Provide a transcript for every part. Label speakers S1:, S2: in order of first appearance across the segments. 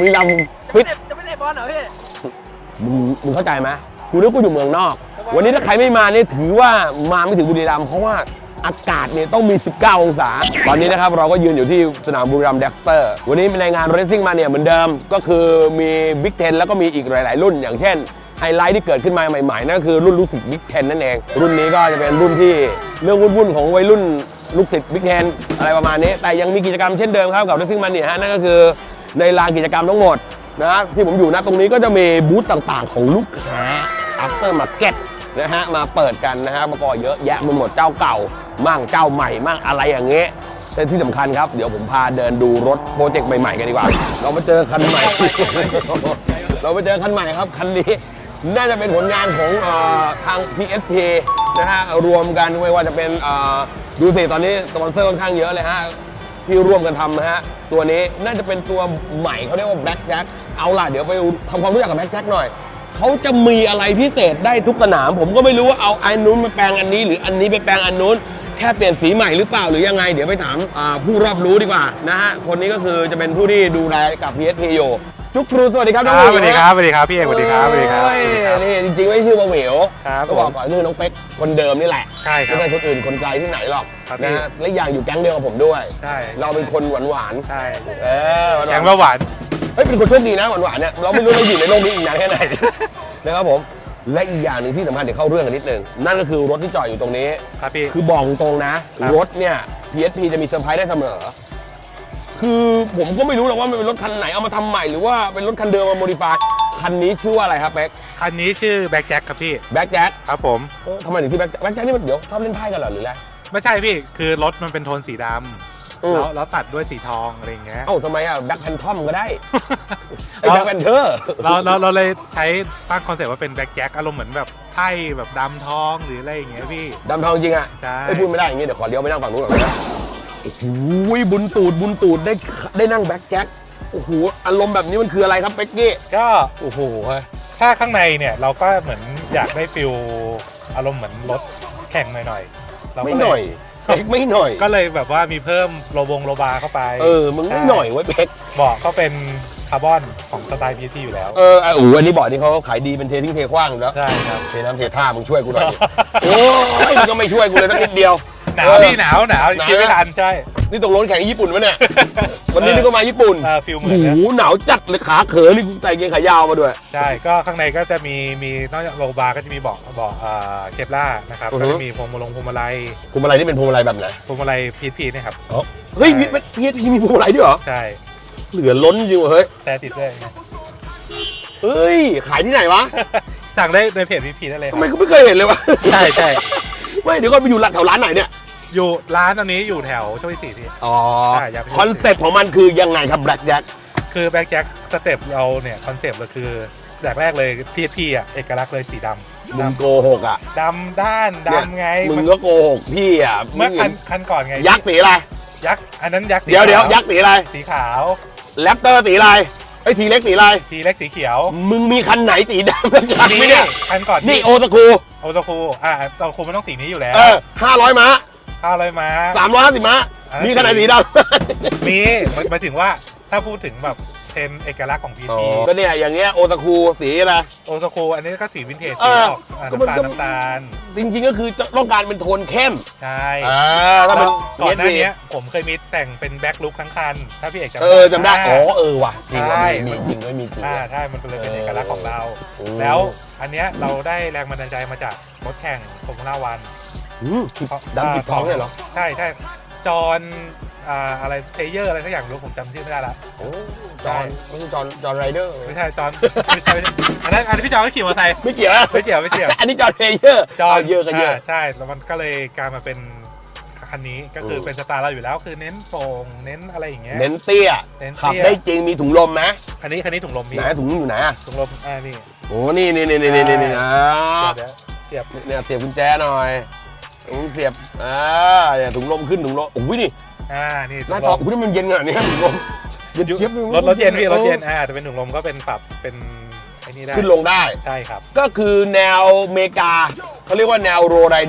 S1: บุรีรัมย์ฟิต
S2: จะไม่เตะบอลเหรอพี่
S1: มึงเข้าใจไหมกูนึกกูอยู่เมืองนอกวันนี้ถ้าใครไม่มาเนี่ยถือว่ามาไม่ถึงบุรีรัมย์เพราะว่าอากาศเนี่ยต้องมี 19 องศาตอนนี้นะครับเราก็ยืนอยู่ที่สนามบุรีรัมย์เด็กสเตอร์วันนี้ในงานเรซซิ่งมาเนี่ยเหมือนเดิมก็คือมีบิ๊ก10แล้วก็มีอีกหลายๆรุ่นอย่างเช่นไฮไลท์ที่เกิดขึ้นมาใหม่ๆนั่นก็คือรุ่นลูกศิษย์บิ๊ก10นั่นเองรุ่นนี้ก็จะเป็นรุ่นที่เรื่องวุ่นๆของวัยรุ่นลูกศิษย์บิ๊ก10อะไรประมาณนี้แต่ยังมีกิจกรรมเช่นเดิมครับกับเรซซิ่งมาเนี่ยฮะนั่นก็คือในลานกิจกรรมทั้งหมดนะที่ผมอยู่นะตรงนี้ก็จะมีบูธต่างๆของลูกค้า after market นะฮะมาเปิดกันนะฮะมาก่อเยอะแยะไปหมดเจ้าเก่ามั่งเจ้าใหม่มั่งอะไรอย่างเงี้ยแต่ที่สำคัญครับเดี๋ยวผมพาเดินดูรถโปรเจกต์ใหม่ๆกันดีกว่าเรามาเจอคันใหม่ เราไปเจอคันใหม่ครับคันนี้น่าจะเป็นผลงานของทาง PSP นะฮะรวมกันไม่ว่าจะเป็นดูสิตอนนี้สปอนเซอร์ค่อนข้างเยอะเลยฮะที่ร่วมกันทำนะฮะตัวนี้น่าจะเป็นตัวใหม่เขาเรียกว่า Black Jack เอาล่ะเดี๋ยวไปทำความรู้จักกับ Black Jack หน่อยเขาจะมีอะไรพิเศษได้ทุกสนามผมก็ไม่รู้ว่าเอาอันนู้นมาแปลงอันนี้หรืออันนี้ไปแปลงอันนู้นแค่เปลี่ยนสีใหม่หรือเปล่าหรือยังไงเดี๋ยวไปถามผู้รอบรู้ดีกว่านะฮะคนนี้ก็คือจะเป็นผู้ที่ดูแลกับ PSP อยู่จุ๊กครูสวัสดีครับน้องหมิว
S3: สวัสดีครับสวัสดีครับพี่เอกสวัสดีครับสวัสดีครับ
S1: นี่จริงๆไม่ชื่อมาหมิว
S3: ครับ
S1: ก็บอกก่อนคือน้องเป๊กคนเดิมนี่แหละ
S3: ใช่ครับ
S1: ไม่ใช่คนอื่นคนไกลที่ไหนหรอก
S3: ครับ
S1: นะฮะและอย่างอยู่แก๊งเดียวกับผมด้วย
S3: ใช่
S1: เราเป็นคนหวาน
S3: ใช่
S1: ๆหวานๆ
S3: แกงเบาหวาน
S1: เฮ้ยเป็นคนโชคดีนะหวานๆเนี่ยเราไม่รู้เราอยู่ในโลกนี้อีกนานแค่ไหน นะครับผมและอีกอย่างหนึ่งที่สำคัญเดี๋ยวเข้าเรื่องกันนิดนึงนั่นก็คือรถที่จอดอยู่ตรงนี้
S3: ครับพี่
S1: คือบอกตรงนะ
S3: ครับ
S1: รถเนี่ย PSP จะมีเซอร์ไพรส์ได้เสมอคือผมก็ไม่รู้หรอกว่ามันเป็นรถคันไหนเอามาทำใหม่หรือว่าเป็นรถคันเดิมมาโมดิฟายคันนี้ชื่อว่าอะไรครับแบ็ค
S3: คันนี้ชื่อแบ็คแจ็คครับพี่
S1: แบ็คแจ็ค
S3: ครับผม
S1: ทำไมถึงชื่อแบ็คแจ็คนี่มันเดี๋ยวชอบเล่นไพ่กันเหรอหรืออะไร
S3: ไม่ใช่พี่คือรถมันเป็นโทนสีด
S1: อืม
S3: ำแล้วตัดด้วยสีทองอะไรอย่างเงี้ย
S1: เอ้าทำไมอ่ะแบ็คแพนทอมก็ได้ ไอ้แบ็คแพนเทอร์
S3: เราเลยใช้ตั้งคอนเซ็ปต์ว่าเป็นแบ็คแจ็คอารมณ์เหมือนแบบไพ่แบบดำทองหรืออะไรอย่างเงี้ยพี่
S1: ดำทองจริงอ่ะ
S3: ใช่
S1: ไม่พูดไม่ได้อย่างงี้เดี๋ยวขอเลี้ยวไปนั่งฝั่งนู้นก่อนนะโอ้โหบุญตูดได้นั่งแบ็คแจ็คโอ้โหอารมณ์แบบนี้มันคืออะไรครับเป๊กกี้
S3: ก็
S1: โอ้โหเฮ้ย
S3: ถ้าข้างในเนี่ยเราก็เหมือนอยากได้ฟิลอารมณ์เหมือนรถแข่งหน่อยๆเราก็
S1: ไม่
S3: เล
S1: หน่อยเป๊กไม่หน่อย
S3: ก็เลยแบบว่ามีเพิ่มโลบาร์เข้าไป
S1: มึงไม่หน่อยไว้ยเป๊ก
S3: เบาะก็เป็นคาร์บอนของสไตล์ PSP อยู่แล้ว
S1: อันนี้บอกนี่เขาขายดีเป็นเททิ้งเทขว้างอยู่แล้ว
S3: ใช่ครับ
S1: เทน้ำเทท่ามึงช่วยกูหน่อยดิ โอ้ยมึงก็ไม่ช่วยกูเลยสักนิดเดียว
S3: หนาวพี่หนาวคิดไม่ทันใช่
S1: นี่ตกลงแข่งญี่ปุ่นปะเนี่ย วันนี้นี่ก็มาญี่ปุ่น
S3: ฟิลเหมื
S1: โอ้
S3: อน
S1: โห
S3: นะ
S1: หนาวจัดเลยขาเขอนี่กูใส่เกงขายาวมาด้วย
S3: ใช่ก็ข้างในก็จะมีนอกจากโลบาร์ก็จะมีเบาะเคปล่านะครับ
S1: อือฮึ
S3: ก็จะมีพวงมาลัย
S1: พวงมาลัยนี่เป็นพวงมาลัยแบบไหน
S3: พวงมาลัย PSP เนี่ยครับ
S1: เฮ้ยพี่มีพวงมาลัยด้วยเหรอ
S3: ใช่
S1: เหลือล้นจริงว่ะเฮ้ย
S3: แต่ติดด้วยนะ
S1: เฮ้ยขายที่ไหนวะ
S3: สั่งได้ในเพจ PSP ได้เลยค
S1: ทำ
S3: รับ
S1: ไมกูไม่เคยเห็นเลยวะ
S3: ใช่ใช่
S1: ไม่เดี๋ยวก่อนไปอยู่แถวร้านไหนเนี่ย
S3: อยู่ร้านตอนนี้อยู่แถวโชคชัย4พี่
S1: อ๋อ
S3: ใช่อยากไปดู
S1: คอนเซ็ปต์ของมันคือยังไงครับแบล็กแจ็ค
S3: คือแบ็คแจ็คสเต็ปเราเนี่ยคอนเซ็ปต์เราคืออย่างแรกเลย PSP อ่ะเอกลักษณ์เลยสีดำ
S1: มึงโกหกอ่ะ
S3: ดำด้านดำไง
S1: มึงก็โกหกพี่อ่ะ
S3: เมื่อคันก่อนไง
S1: ยักษ์สีอะไร
S3: ยักษ์อันนั้นยักษ์สี
S1: เดี๋ยว
S3: ขาว
S1: ยักษ์สีอะไร
S3: สีขาว
S1: แรปเตอร์สีอะไรไอ้ทีเล็กสีอะไร
S3: ทีเล็กสีเขียว
S1: มึงมีคันไหนสีดำกันไหมเนี่ย
S3: คันก่อน
S1: นี่โอตะคู
S3: โอโตคูโตคูมันต้องสีนี้อยู่แล้ว
S1: 500 ม้า
S3: 500 ม้า
S1: 350 ม้า มีคันไหนสีดำ
S3: มีหมายถึงว่าถ้าพูดถึงแบบเทรนด์เอกลักษณ์ของ PSP
S1: ก็เนี่ยอย่างเงี้ยโอตะคูสีอะไร
S3: โอโตคูอันนี้ก็สีวินเทจ
S1: เอ
S3: สี
S1: อ
S3: ออก
S1: ก็มัน
S3: น้ำตาล
S1: จริงๆก็คือต้องการเป็นโทนเข้ม
S3: ใช่
S1: ถ้าเป็น
S3: ก่อนหน้านี้ผมเคยมีแต่งเป็นแบ็คลุคทั้งคัน ถ้าพี่เอกจำได้
S1: จำได้ว่ะจริง
S3: ใช่
S1: มีจริงด้วยมีจริง
S3: ใช่มันเป็นเลยเป็นเอกลักษณ์ของเรา
S1: โอ้
S3: แล้วอันเนี้ยเราได้แรงบันดาลใจมาจากรถแข่งฟอร์มูล่าวัน
S1: ดำกิบท้องเนี่ยเหรอ
S3: ใช่ใช่จอห์นอะไรเพลเยอร์อะไรสักอย่างรู้ผมจำชื่อไม่ได้ละ
S1: โอ้จอนไม่ใช่จอนไรเดอร์
S3: ไม่ใช่จอห์นไม่ใช่อันนั้นพี่จอห์นก็ขี่มอเตอร์ไซค์
S1: ไม่เกี่ยว
S3: ไม่เกี่ยวไม่เกี่ยว
S1: อันนี้จอนเพลเยอร์
S3: จอห์น
S1: เยอะก็เยอะ
S3: ใช่แล้วมันก็เลยกลายมาเป็นคันนี้ก็คือเป็นสไตล์เราอยู่แล้วคือเน้นโปร่งเน้นอะไรอย่างเงี้ย
S1: เน้นเตี้ย
S3: เน้นเตี้ย
S1: ขับได้จริงมีถุงลมไหม
S3: คันนี้ถุงลมพี่
S1: ไหนถุงอยู่ไหนอ่ะ
S3: ถุงลมนี่
S1: โอ้นี่
S3: เดี๋ยวเสียบ
S1: เนี่ยเสียบกุญแจหน่อยเสียบเนี่ยถุงลมขึ้นถุงลมโอ้ยนี่
S3: นี่
S1: หน้าจออุ้ยมันเย็นขนาดนี้ถุงลมเย็นเจี๊ยบ
S3: รถเย็นพี่รถเย็นแต่เป็นถุงลมก็เป็นปรับเป็นไอ้นี่ได้
S1: ขึ้นลงได้
S3: ใช่ครับ
S1: ก็คือแนวเมกาเขาเรียกว่าแนวโรไรเดอร์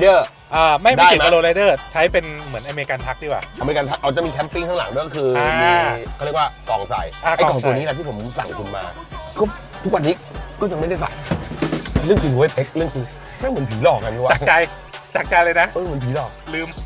S3: ไม่
S1: ได้
S3: ติด
S1: ไหม
S3: กับโรลไรเดอร์ใช้เป็นเหมือนอเมริกันทักดีกว่า
S1: อเมริกันเอาจะมีแคมปิ้งข้างหลังด้วยก็คือมีเขาเรียกว่ากล่องใส่ไอ้กล่องตัวนี้แหละที่ผมสั่งคุณมาก็ทุกวันนี้ก็ยังไม่ได้ใส่เรื่องจริงเว้ยเป๊กเรื่องจริงแม่งเหมือนผีหลอกกันวะ
S3: จากใจเลยนะ
S1: เหมือนผีหลอก
S3: ลืม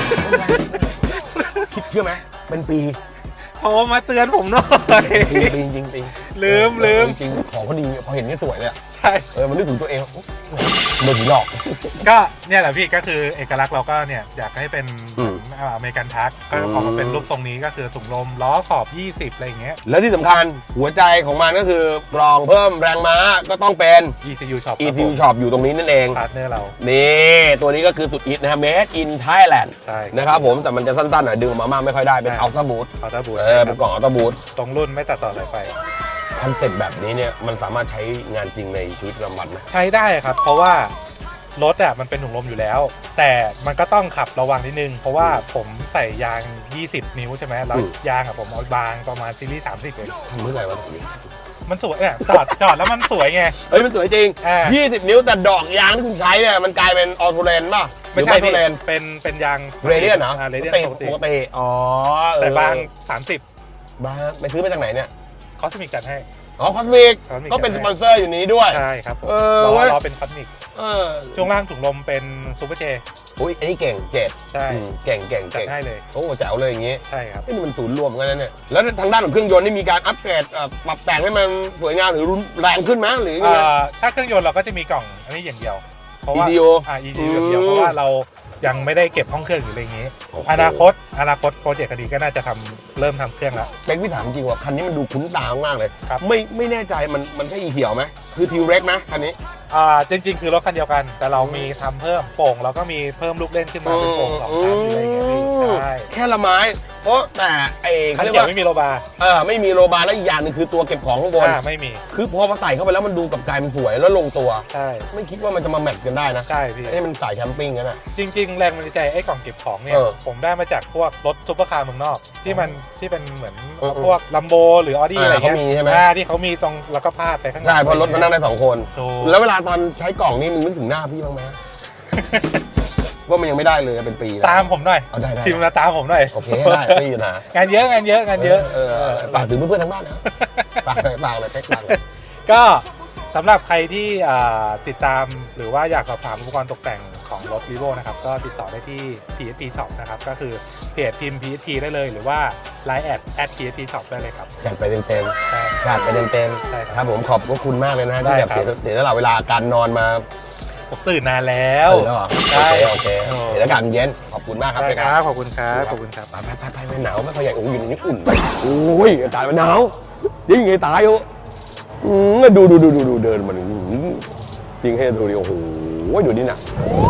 S1: คิดเชื่อไหมเป็นปี
S3: โทรมาเตือนผมหน่อย
S1: จริงจริงจริง
S3: ลืม
S1: จริงของเขาดีพอเห็นนี่สวยเลย
S3: ใช่
S1: มันนึกถึงตัวเองเหมือนผีหลอก
S3: ก็เนี่ยแหละพี่ก็คือเอกลักษณ์เราก็เนี่ยอยากให้เป็น
S1: อืม
S3: อเมริกันทักก็ออกมาเป็นรูปทรงนี้ก็คือถุงลมล้อขอบ 20 อะไรอย่างเงี้ย
S1: แล้วที่สำคัญหัวใจของมันก็คือกรองเพิ่มแรงม้าก็ต้องเป็น
S3: ECU Shop
S1: ECU Shop อยู่ตรงนี้นั่นเอง
S3: พาร์ทเนอร์เรา
S1: นี่ตัวนี้ก็คือสุดฮิตนะครับ Made in Thailand
S3: ใช่
S1: นะครับผมแต่มันจะสั้นๆหน่อยดึงออกมามากไม่ค่อยได้เป็น Ultra Boost
S3: เอาตาบูท
S1: เป็นกล่อง Ultra Boost
S3: ตรงรุ่นไม่ตัดต่อสายไฟ
S1: คอนเซ็ปต์แบบนี้เนี่ยมันสามารถใช้งานจริงในชีวิตประจำวันไหม
S3: ใช้ได้ครับ เพราะว่ารถอ่ะมันเป็นถุงลมอยู่แล้ว แต่มันก็ต้องขับระวังนิดนึง เพราะว่าผมใส่ยาง 20 นิ้วใช่ไหมแล้วยางอ่ะผมเอาบางประมาณซีรีส์ 30 เอง
S1: ทำเมื่อไหร่วะแบบนี้
S3: มันสวยเนี่ยจอดแล้วมันสวยไง
S1: เฮ้ยมันสวยจริง
S3: อ่า
S1: 20 นิ้วแต่ดอกยางที่คุณใช้เนี่ยมันกลายเป็นออโตเรนป่ะ
S3: ไม่ใช่
S1: ออโต
S3: พี่
S1: เรน
S3: เป็นยาง
S1: เรเดียนเหรอ
S3: เรเดียนปกติ
S1: ปกติอ๋อ
S3: แต่บาง
S1: 30
S3: 30
S1: บางไปซื้อมาจากไหนเนี่ย
S3: คอสมิกจัดให้
S1: อ๋อคอสมิก
S3: Cosmic
S1: ก็เป็นสปอนเซอร์อยู่นี้ด้วย
S3: ใช่ครับผม
S1: เว้ย
S3: ล้อเป็นคอสมิก
S1: เออ
S3: ช่วงล่างถุงลมเป็นซูเปอร์เจ
S1: อุ้ยอันนี้เก่งเจ็ด
S3: ใช่
S1: เก่ง
S3: จัดให้เลย
S1: โอ้แจ๋วเลยอย่างงี้
S3: ใช่ครับ
S1: นี่มันศูนย์รวมกันนะเนี่ยแล้วทางด้านของเครื่องยนต์นี่มีการอัปเกรดปรับแต่งให้มันสวยงามหรือรุนแรงขึ้นไหมหรือยังไง
S3: ถ้าเครื่องยนต์เราก็จะมีกล่องอันนี้อย่างเดียว เพราะว่า
S1: ECU
S3: ECU อย่างเดียวเพราะว่าเรายังไม่ได้เก็บห้องเครื่องอยู่อะไรอย่างงี้
S1: โอ้โห
S3: อนาคตโปรเจกต์คดีก็น่าจะเริ่มทำเครื่องแล้ว
S1: เป็กพี่ถามจริงว่าคันนี้มันดูคุ้นตามากเลย
S3: ครับ
S1: ไม่แน่ใจมันใช่อีเขียวไหมคือทิวเร็กไหมคันนี้
S3: จริงๆคือรถคันเดียวกัน แต่เรามีทำเพิ่มโป่งเราก็มีเพิ่มลูกเล่นขึ้นมาเป็นโป่งสองชั้นอะไรอย่างเงี้ยพี่ใช่
S1: แค่ละไม้เพราะแต่ไอ้
S3: คัน
S1: เรียก
S3: เกี่ยว
S1: ว่า
S3: ไม่มีโลบาร์
S1: ไม่มีโรบาร์แล้วอีกอย่างหนึงคือตัวเก็บของข้างบน
S3: ไม่มี
S1: คือพอมาใส่เข้าไปแล้วมันดูกับกายมันสวยแล้วลงตัว
S3: ใช่
S1: ไม่คิดว่ามันจะมาแมทช์กันได้นะ
S3: ใช่พี่
S1: ไอ้นี่มันสายแคมปิ้งกันอ่ะ
S3: จริง ๆ แรงบันดาลใจไอ้กล่องเก็บของเนี่ย ผมได้มาจากพวกรถซุปเปอร์คาร์เมืองนอกที่เป็นเหมือนพวกลัมโบหรือออดี้อะไรเงี้ย
S1: เขามีใช่ไหม
S3: ที่เขามีตรงแล้วก็พาดไปข้างหลัง
S1: ใช่เพราะรถมันนั่งได้2 คน
S3: ถูก
S1: แล้วเวลาตอนใช้กล่องนี่มึงนึกถึงหน้าพี่บ้างไหม ว่ามันยังไม่ได้เลยเป็นปีแล้ว
S3: ตามผมหน่อย
S1: เอาได้
S3: ชิมมาตามผมหน่อย
S1: โอเคได้ไม่มีปัญหาง
S3: านเยอะงานเยอะ
S1: ฝากถึงเพื่อนๆทั้งบ้านนะฝากเลยเป๊กฝากเลย
S3: ก็สำหรับใครที่ติดตามหรือว่าอยากสอบถามอุปกรณ์ตกแต่งของรถ Revo นะครับก็ติดต่อได้ที่ PSP Shop นะครับก็คือเพจพิมพ์ PSP ได้เลยหรือว่า Line @PSP Shop ได้เลยครับ
S1: จัดไปเต็ม
S3: ใช่
S1: ๆจัดไปเต็ม
S3: ใช่
S1: ๆ
S3: ครับ
S1: ครับผมขอบคุณมากเลยนะ
S3: ได้
S1: ที่แบบ
S3: ครับ
S1: เสียสละเวลาการนอนมา
S3: ผมตื่นนานแล้ว
S1: แล้วเหรอ
S3: ใช่
S1: โอเคเห็นอากาศเย็นขอบคุณมากครับ
S3: ได้
S1: เป๊ก
S3: ครับขอบคุณครับขอบคุณครับ
S1: ไปไม่หนาวไม่ค่อยใหญ่โอ้ยอยู่ในนี้อุ่นโอ้ยอากาศมันหนาวยิ่งไงตายโอ้ดูเดินมันจริงให้ดูดิโอ้โหดูนี่น่ะ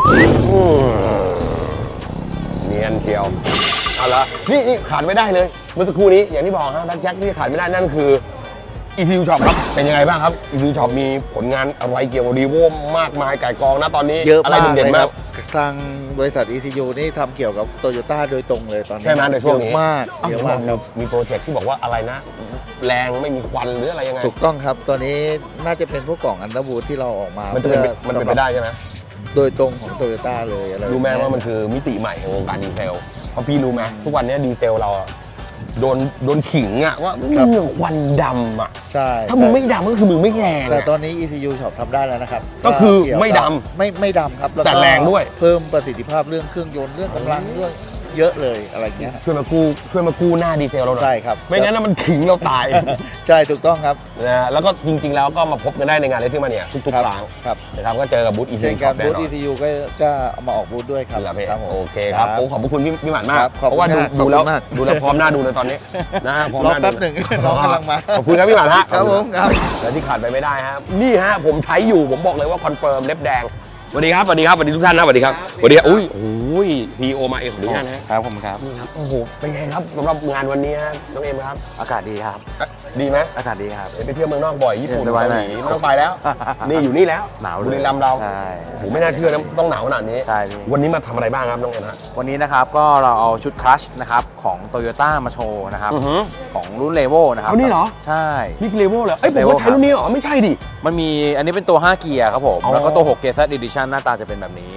S1: เนียนเชียวเอาละนี่ขาดไม่ได้เลยเมื่อสักครู่นี้อย่างที่บอกฮะแบ็คแจ็คที่ขาดไม่ได้นั่นคือ ECU Shop ครับเป็นยังไงบ้างครับ ECU Shop มีผลงานอะไรเกี่ยวกับ Revo มากมายไก่กองนะตอนนี้
S2: เยอะ
S1: อะไร
S2: มาก
S1: เด่น
S2: เลย
S1: ๆ
S2: ค
S1: มา
S2: รั
S1: ก
S2: บทางบริษัท ECU นี่ทำเกี่ยวกับโตโยต้าโดยตรงเลยตอนนี้
S1: ใช่ไหมในช่วงนี้
S2: เยอะมากเยอะมากครับ
S1: มีโปรเจกต์ที่บอกว่าอะไรนะ แรงไม่มีควันหรืออะไรยังไง
S2: ถูกต้องครับตอนนี้น่าจะเป็นพวกกล่องอันดับบูที่เราออกมา
S1: มันเป็นไปได้ใช่ไหม
S2: โดยตรงของโตโยต้าเลยอะไร
S1: รู้ไหมว่ามันคือมิติใหม่ของวงการดีเซลเพราะพี่รู้ไหมทุกวันนี้ดีเซลเราอะโดนขิงอะว่ามึงควันดำอะ
S2: ใช่
S1: ถ้ามึงไม่ดำก็คือมึงไม่แรง
S2: แต่
S1: อะ
S2: ตอนนี้ ECU Shop ทำได้แล้วนะครับ
S1: ก็คือ
S2: เยวกับ
S1: ไม่ด
S2: ไม่ดำครับล้วก็
S1: แต่แรงด้วย
S2: เพิ่มประสิทธิภาพเรื่องเครื่องยนต์เรื่องกำลังด้วยเยอะเลยอะไรเงี้ย
S1: ช่วยมากู้หน้าดีเซลเราหน่อย
S2: ใช่ครับ
S1: ไม่งั้นนะมันขิงเราตาย
S2: ใช่ถูกต้องครับ
S1: นะแล้วก็จริงๆแล้วก็มาพบกันได้ในงานเลสซิ่งมาเนี่ยทุกๆครั้ง
S2: ครับ
S1: นะครับก็เจอกับบูธอี
S2: เช่น
S1: ช็
S2: กั
S1: อน ปแน่
S2: บูธ
S1: นอน
S2: ECU ก็เอามาออกบูธด้วยครับ
S1: เหรอพี่
S2: ครับผม
S1: โอเคครับโอ้ขอบพระคุณพี่หมันมาก
S2: ครับขอบ
S1: เพ
S2: คุณ
S1: ราะว่า
S2: ครับ
S1: ดูแล้ว
S2: ขอบคุณมาก
S1: ดูแล้วพร้อมหน้าดูเลยตอนนี้นะฮะพร้อม
S2: รอ
S1: หน้า
S2: แป๊บหนึ่งน้องกำลังมา
S1: ขอบคุณครับพี่หมันฮะ
S2: ครับผมครับ
S1: และที่ขาดไปไม่ได้ครับนี่ฮะผมใช้อยู่ผมบอกเลยว่าคอนเฟิร์มเล็บแดงสวัสดีครับสวัสดีครับสวัสดีทุกท่านนะสวัสดีครับสวัสดีครับอุ้ยซีโอมาเองขออนุญาตนะฮะ
S4: ครับผมครับ
S1: นี่ครับโอ้โหเป็นไงครับสำหรับงานวันนี้ฮะน้องเอ็มครับ
S4: อากาศดีครับ
S1: ดีไหม
S4: อากาศดีครับ
S1: ไปเที่ยวเมืองนอกบ่อยญี่ปุ่น
S4: สบาย
S1: เกา
S4: ห
S1: ห
S4: น่อย
S1: ลีไม่ต้องไปแล้ว นี่อยู่นี่แล้ว
S4: หนาวเลย
S1: บุรีรัมย์เรา
S4: ใช่
S1: โอ้โหไม่น่าเชื่อนะต้องหนาวขนาดนี้
S4: ใช่พี่
S1: วันนี้มาทำอะไรบ้างครับน้องเอ็มฮะ
S4: วันนี้นะครับก็เราเอาชุดคลัชนะครับของ Toyota มาโชว์นะครับ
S1: อือหือ
S4: ของรุ่นเลโวนะครับ
S1: เอานี่เหรอ
S4: ใช่
S1: นี่คือเลเวลเหรอเอ้ยผม
S4: Level
S1: ก็ใช้รุ่นนี้เหรอไม่ใช่ดิ
S4: มันมีอันนี้เป็นตัว 5 เกียร์ครับผม
S1: อ๋อ
S4: แล้วก็ตัว 6 เกียร์ Z Edition หน้าตาจะเป็นแบบนี้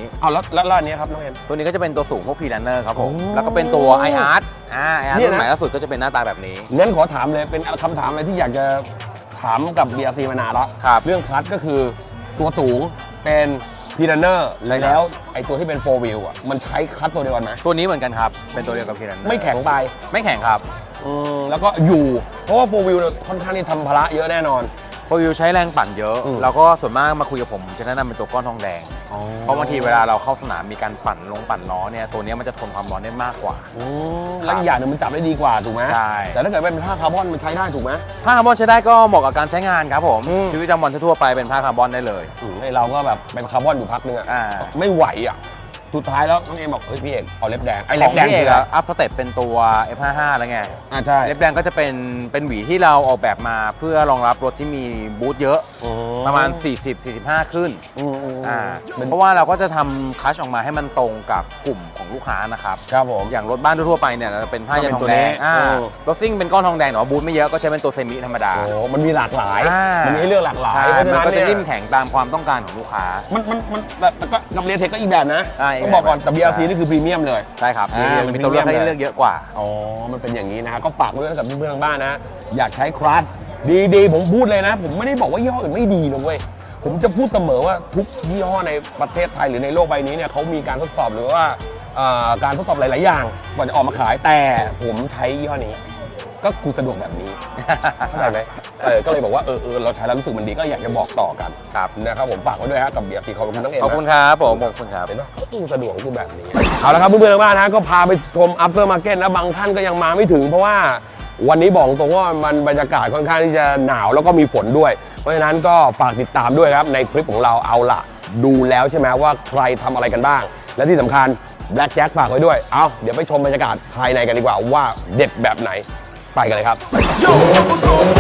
S1: เอาแล้วอันนี้ครับน้องเอ็ม
S4: ตัวนี้ก็จะเป็นตัวสูงพวกพีรันเนอร์ครับผม
S1: โอ้
S4: แล้วก็เป็นตัว iArt iArt
S1: เนี่ยนะ
S4: รุ่นใหม่ล่าสุดก็จะเป็นหน้าตาแบบนี้
S1: งั้นขอถามเลยเป็นคำถามอะไรที่อยากจะถามกับ BRC มานานแล้ว
S4: ครับ
S1: เรื่องคลัตช์ก็คือตัวสูงเป็นพีรันเนอร์
S4: ใช่ครับ
S1: แล้วไอตัวที่เป็น4 wheel อ่ะมันใช้คลัตช์ตัวเดียวกันไหม
S4: ตัวนี้เหมือนกันครับ เป็นตัวเดียวกับพีรันเนอร์
S1: ไม่แข็งไป
S4: ไม่แข็งครับ
S1: แล้วก็อยู่เพราะว่า4 wheel เนี่ยค่อนข้างที่ทำภาระเยอะแน่นอน
S4: โฟวิวใช้แรงปั่นเยอะ แล้วก็ส่วนมากมาคุยกับผมจะแนะนำเป็นตัวก้อนทองแดง เพราะบางทีเวลาเราเข้าสนามมีการปั่นล้อเนี่ยตัวนี้มันจะทนความร้อนได้มากกว่า
S1: แล้วอีกอย่างหนึงมันจับได้ดีกว่าถูกไหม
S4: ใช่
S1: แต่ถ้าเกิดเป็นผ้าคาร์บอนมันใช้ได้ถูกไหม
S4: ผ้าคาร์บอนใช้ได้ก็เหมาะกับการใช้งานครับผม
S1: อืม
S4: ชีวิตประจำวันทั่วๆไปเป็นผ้าคาร์บอนได้เลย
S1: ไอเราก็แบบเป็นคาร์บอนอยู่พักนึงอ่ะ
S4: อ่า
S1: ไม่ไหวอ่ะสุดท้ายแล้วน้องเอ็มบอกเฮ้ยพี่เอกเอาเล็บแดงไอ
S4: ข
S1: เล็
S4: อบ ง
S1: แดง
S4: พี่เอ
S1: คื
S4: ก
S1: ออะไร
S4: อัพสเต็ปเป็นตัว F55 แล้วไง
S1: ใช่
S4: เล็บแดงก็จะเป็นหวีที่เราออกแบบมาเพื่อรองรับรถที่มีบูทเยอะ ประมาณ 40-45 ขึ้น เพราะว่าเราก็จะทำคัชออกมาให้มันตรงกับกลุ่มของลูกค้านะครับ
S1: ครับผม
S4: อย่างรถบ้านทั่วๆไปเนี่ยเราเป็นผ้ายันทองแดง
S1: ก็เป็นตัวนี้
S4: รถซิ่งเป็นก้อนทองแดงแต่ว่าบูทไม่เยอะก็ใช้เป็นตัวเซมิธรรมดา
S1: โอ้มันมีหลากหลาย
S4: อ่า
S1: มันมีให้เลือกหลากหลาย
S4: ใช่
S1: เพราะฉะ
S4: มัน
S1: นั้น
S4: ก็จะ
S1: เนี่ย
S4: นิ่มแข็งตามความต้องการของลูกค้า
S1: มันแต่ก็กับเรียเทคก็อีกแบบนะ
S4: อีก
S1: ต้องบอกก่อน
S4: แบบ
S1: แต่ BRC
S4: ใช่
S1: นี่คือพรีเมียมเลย
S4: ใช่ครับ
S1: มัน
S4: มีตัวเลือกให้
S1: premium
S4: เลือกเยอะกว่า
S1: อ๋อ มันเป็นอย่างนี้นะฮะก็ฝากไว้ด้วยกับเพื่อนๆทางบ้านนะ อยากใช้คลัสดีๆ ผมพูดเลยนะ ผมไม่ได้บอกว่ายี่ห้ออื่นไม่ดีนะเว้ย ผมจะพูดเสมอว่าทุกยี่ห้อในประเทศไทยหรือในโลกใบนี้เนี่ยเขามีการทดสอบหรือว่าการทดสอบหลายๆอย่างก่อนจะออกมาขายแต่ผมใช้ยี่ห้อนี้ ก็กูสะดวกแบบนี้ เข้าใจไหมก็เลยบอกว่าเราใช้แล้วรู้สึกมันดีก็อยากจะบอกต่อกัน
S4: ครับ
S1: นะครับผมฝากไว้ด้วยฮะกับ BRC ขอบคุณทั้งเอ็ม
S4: ขอบคุณครับผมขอบคุณครับ
S1: เห็นปะตู้สะดวกกูแบบนี้เอาละครับเพื่อนๆทางบ้านนะก็พาไปชม after market นะบางท่านก็ยังมาไม่ถึงเพราะว่าวันนี้บอกตรงว่ามันบรรยากาศค่อนข้างที่จะหนาวแล้วก็มีฝนด้วย เพราะฉะนั้นก็ฝากติดตามด้วยครับในคลิปของเราเอาล่ะดูแล้วใช่ไหมว่าใครทำอะไรกันบ้าง และที่สำคัญ Black Jack ฝากไว้ด้วยเอาเดี๋ยวไปชมบรรยากาศภายในกันดีกว่าว่าเด็ดแบบไหนไปกันเลยครับ